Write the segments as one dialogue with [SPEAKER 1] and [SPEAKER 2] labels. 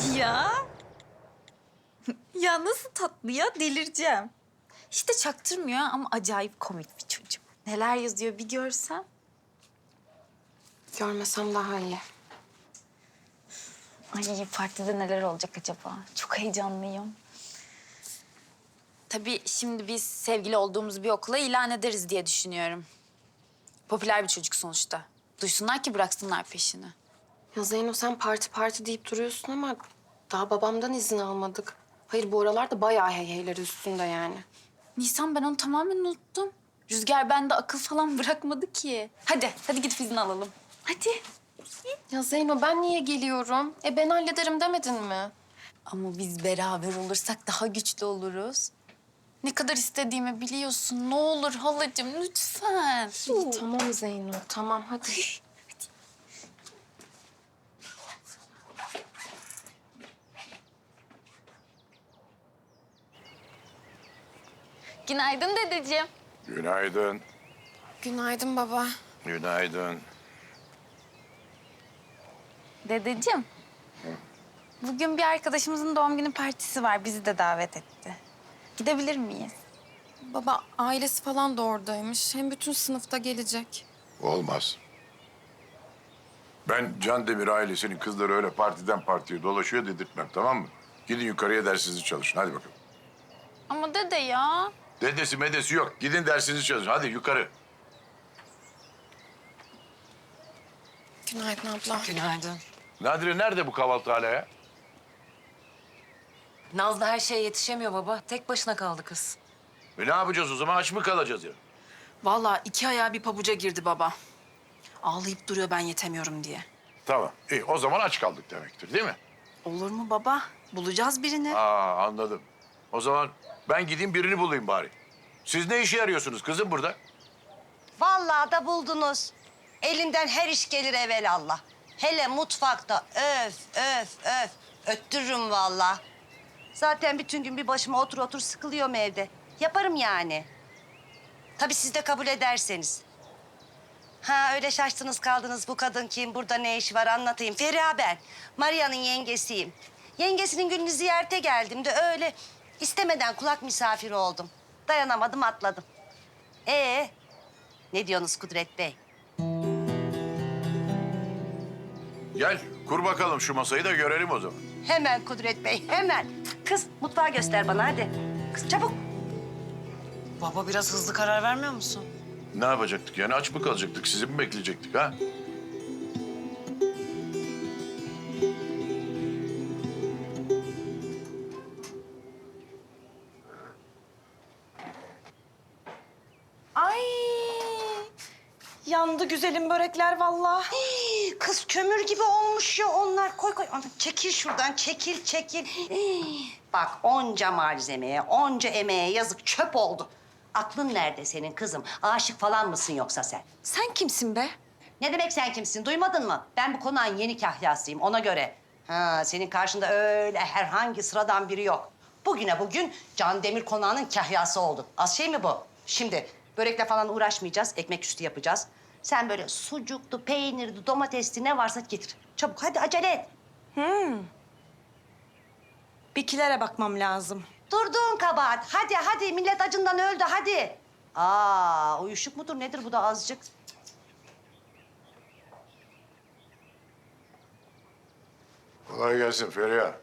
[SPEAKER 1] Ya. Ya nasıl tatlı ya, delireceğim. Hiç de çaktırmıyor ama acayip komik bir çocuk. Neler yazıyor bir görsem.
[SPEAKER 2] Görmesem daha iyi.
[SPEAKER 1] Ay partide neler olacak acaba? Çok heyecanlıyım. Tabii şimdi biz sevgili olduğumuz bir okula ilan ederiz diye düşünüyorum. Popüler bir çocuk sonuçta. Duysunlar ki bıraksınlar peşini.
[SPEAKER 2] Ya Zeyno sen parti deyip duruyorsun ama daha babamdan izin almadık. Hayır bu aralarda bayağı heyheyleri üstünde yani.
[SPEAKER 1] Nisan ben onu tamamen unuttum. Rüzgar bende akıl falan bırakmadı ki. Hadi gidip izin alalım. Hadi.
[SPEAKER 2] Ya Zeyno ben niye geliyorum? Ben hallederim demedin mi?
[SPEAKER 1] Ama biz beraber olursak daha güçlü oluruz. Ne kadar istediğimi biliyorsun. Ne olur halacığım lütfen.
[SPEAKER 2] İyi, tamam Zeyno tamam hadi.
[SPEAKER 1] Günaydın dedeciğim.
[SPEAKER 3] Günaydın.
[SPEAKER 2] Günaydın baba.
[SPEAKER 3] Günaydın.
[SPEAKER 1] Dedeciğim. Bugün bir arkadaşımızın doğum günü partisi var. Bizi de davet etti. Gidebilir miyiz?
[SPEAKER 2] Baba ailesi falan da oradaymış. Hem bütün sınıfta gelecek.
[SPEAKER 3] Olmaz. Ben Can Demir ailesinin kızları öyle partiden partiye dolaşıyor dedirtmem, tamam mı? Gidin yukarıya dersinizi çalışın, hadi bakalım.
[SPEAKER 1] Ama dede ya.
[SPEAKER 3] Dedesi medesi yok, gidin dersinizi çalışın, hadi yukarı.
[SPEAKER 2] Günaydın abla.
[SPEAKER 4] Günaydın.
[SPEAKER 3] Nadire nerede bu kahvaltı hala ya?
[SPEAKER 4] Nazlı her şeye yetişemiyor baba. Tek başına kaldı kız.
[SPEAKER 3] Ne yapacağız o zaman, aç mı kalacağız ya?
[SPEAKER 5] Vallahi 2 ayağı bir pabuca girdi baba. Ağlayıp duruyor ben yetemiyorum diye.
[SPEAKER 3] Tamam, iyi o zaman aç kaldık demektir değil mi?
[SPEAKER 5] Olur mu baba? Bulacağız birini.
[SPEAKER 3] Anladım. O zaman ben gideyim birini bulayım bari. Siz ne işe yarıyorsunuz kızım burada?
[SPEAKER 6] Vallahi da buldunuz. Elinden her iş gelir evelallah. Hele mutfakta öf. Öttürürüm vallahi. Zaten bütün gün bir başıma otur sıkılıyorum evde. Yaparım yani. Tabii siz de kabul ederseniz. Ha öyle şaştınız kaldınız, bu kadın kim, burada ne işi var anlatayım. Feriha ben, Maria'nın yengesiyim. Yengesinin gününü ziyarete geldim de öyle istemeden kulak misafiri oldum. Dayanamadım atladım. Ne diyorsunuz Kudret Bey?
[SPEAKER 3] Gel, kur bakalım şu masayı da görelim o zaman.
[SPEAKER 6] Hemen Kudret Bey, hemen. Kız mutfağı göster bana hadi. Kız çabuk.
[SPEAKER 4] Baba biraz hızlı karar vermiyor musun?
[SPEAKER 3] Ne yapacaktık yani, aç mı kalacaktık, sizi mi bekleyecektik ha?
[SPEAKER 2] Ay yandı güzelim börekler vallahi.
[SPEAKER 6] Kız kömür gibi olmuş ya onlar. Koy. Ana, çekil şuradan, çekil. Bak onca malzemeye, onca emeğe yazık çöp oldu. Aklın nerede senin kızım? Aşık falan mısın yoksa sen?
[SPEAKER 2] Sen kimsin be?
[SPEAKER 6] Ne demek sen kimsin? Duymadın mı? Ben bu konağın yeni kahyasıyım ona göre. Ha, senin karşında öyle herhangi sıradan biri yok. Bugüne bugün Can Demir konağının kahyası oldun. Az şey mi bu? Şimdi börekle falan uğraşmayacağız. Ekmek üstü yapacağız. Sen böyle sucuklu, peynirli, domatesli ne varsa getir. Çabuk hadi acele et.
[SPEAKER 2] Bikilere bakmam lazım.
[SPEAKER 6] Durduğun kabahat. Hadi millet acından öldü hadi. Uyuşuk mudur nedir bu da azıcık?
[SPEAKER 3] Kolay gelsin Feriha.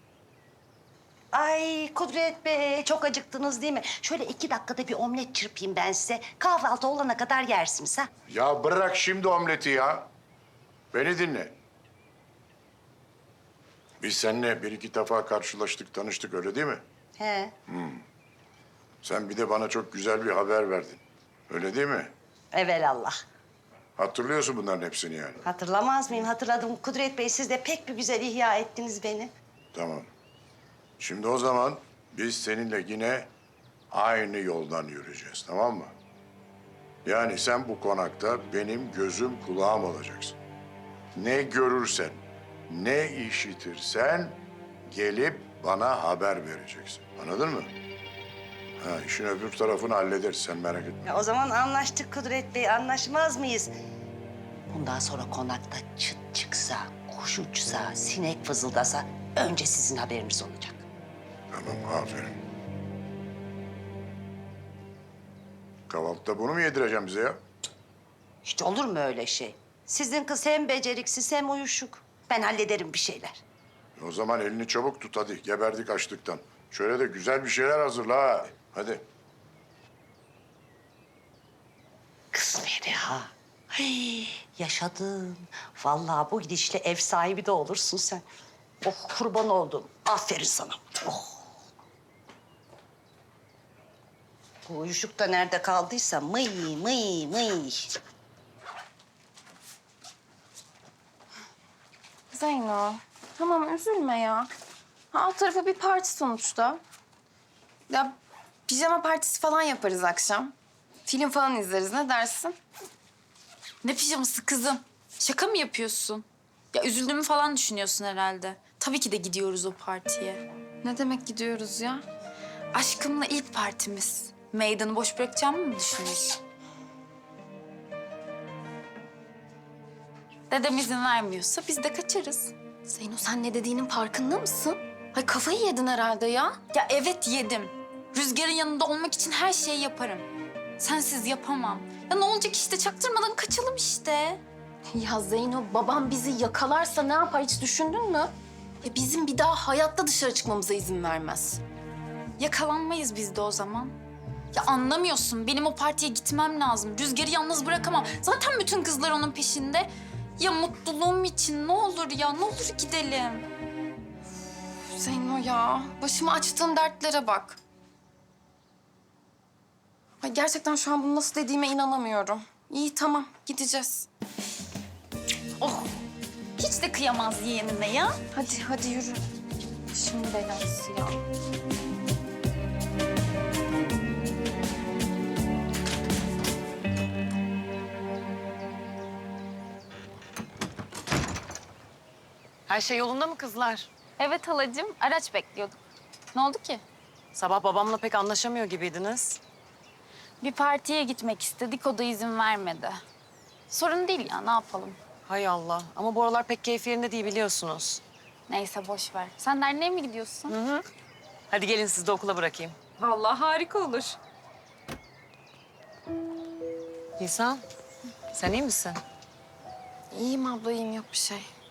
[SPEAKER 6] Ay Kudret Bey çok acıktınız değil mi? Şöyle 2 dakikada bir omlet çırpayım ben size. Kahvaltı olana kadar yersiniz ha.
[SPEAKER 3] Ya bırak şimdi omleti ya. Beni dinle. Biz seninle bir iki defa karşılaştık, tanıştık öyle değil mi?
[SPEAKER 6] He.
[SPEAKER 3] Sen bir de bana çok güzel bir haber verdin. Öyle değil mi?
[SPEAKER 6] Evelallah.
[SPEAKER 3] Hatırlıyorsun bunların hepsini yani.
[SPEAKER 6] Hatırlamaz mıyım? Hatırladım. Kudret Bey siz de pek bir güzel ihya ettiniz beni.
[SPEAKER 3] Tamam. Şimdi o zaman biz seninle yine aynı yoldan yürüyeceğiz, tamam mı? Yani sen bu konakta benim gözüm kulağım olacaksın. Ne görürsen, ne işitirsen gelip bana haber vereceksin. Anladın mı? Ha, işin öbür tarafını hallederiz, sen merak etme.
[SPEAKER 6] O zaman anlaştık Kudret Bey. Anlaşmaz mıyız? Bundan sonra konakta çıt çıksa, kuş uçsa, sinek fızıldasa önce sizin haberiniz olacak.
[SPEAKER 3] Tamam, aferin. Kahvaltıda bunu mu yedireceğim bize ya?
[SPEAKER 6] Hiç olur mu öyle şey? Sizin kız hem beceriksiz hem uyuşuk. Ben hallederim bir şeyler.
[SPEAKER 3] O zaman elini çabuk tut hadi. Geberdik açlıktan. Şöyle de güzel bir şeyler hazırla ha. Hadi.
[SPEAKER 6] Kız Feriha. Hey, yaşadın. Vallahi bu gidişle ev sahibi de olursun sen. Oh kurban oldum. Aferin sana. Oh. Bu uyuşuk da nerede kaldıysa mıy mıy mıy.
[SPEAKER 2] Zeyno, tamam üzülme ya. Alt tarafı bir parti sonuçta. Ya pijama partisi falan yaparız akşam. Film falan izleriz, ne dersin?
[SPEAKER 1] Ne pijaması kızım? Şaka mı yapıyorsun? Ya üzüldüğümü falan düşünüyorsun herhalde. Tabii ki de gidiyoruz o partiye.
[SPEAKER 2] Ne demek gidiyoruz ya?
[SPEAKER 1] Aşkımla ilk partimiz. Meydanı boş bırakacağımı mı düşünüyorsun? Dedem izin vermiyorsa biz de kaçarız.
[SPEAKER 2] Zeyno sen ne dediğinin farkında mısın? Ay kafayı yedin herhalde ya.
[SPEAKER 1] Ya evet yedim. Rüzgar'ın yanında olmak için her şeyi yaparım. Sensiz yapamam. Ya ne olacak işte çaktırmadan kaçalım işte.
[SPEAKER 2] Ya Zeyno babam bizi yakalarsa ne yapar hiç düşündün mü? Ya bizim bir daha hayatta dışarı çıkmamıza izin vermez.
[SPEAKER 1] Yakalanmayız biz de o zaman. Ya anlamıyorsun. Benim o partiye gitmem lazım. Rüzgar'ı yalnız bırakamam. Zaten bütün kızlar onun peşinde. Ya mutluluğum için ne olur ya, ne olur gidelim.
[SPEAKER 2] Zeyno ya başıma açtığın dertlere bak. Ay gerçekten şu an bunu nasıl dediğime inanamıyorum. İyi tamam gideceğiz.
[SPEAKER 1] Oh, hiç de kıyamaz yeğenine ya.
[SPEAKER 2] Hadi yürü. Şimdi belası ya.
[SPEAKER 4] Her şey yolunda mı kızlar?
[SPEAKER 1] Evet halacığım, araç bekliyorduk. Ne oldu ki?
[SPEAKER 4] Sabah babamla pek anlaşamıyor gibiydiniz.
[SPEAKER 1] Bir partiye gitmek istedik, o da izin vermedi. Sorun değil ya, ne yapalım?
[SPEAKER 4] Hay Allah. Ama bu aralar pek keyfi yerinde değil biliyorsunuz.
[SPEAKER 1] Neyse boş ver. Sen derneğe mi gidiyorsun?
[SPEAKER 4] Hadi gelin sizi de okula bırakayım.
[SPEAKER 1] Vallahi harika olur.
[SPEAKER 4] Nisan, sen iyi misin?
[SPEAKER 2] İyiyim abla iyiyim yok bir şey.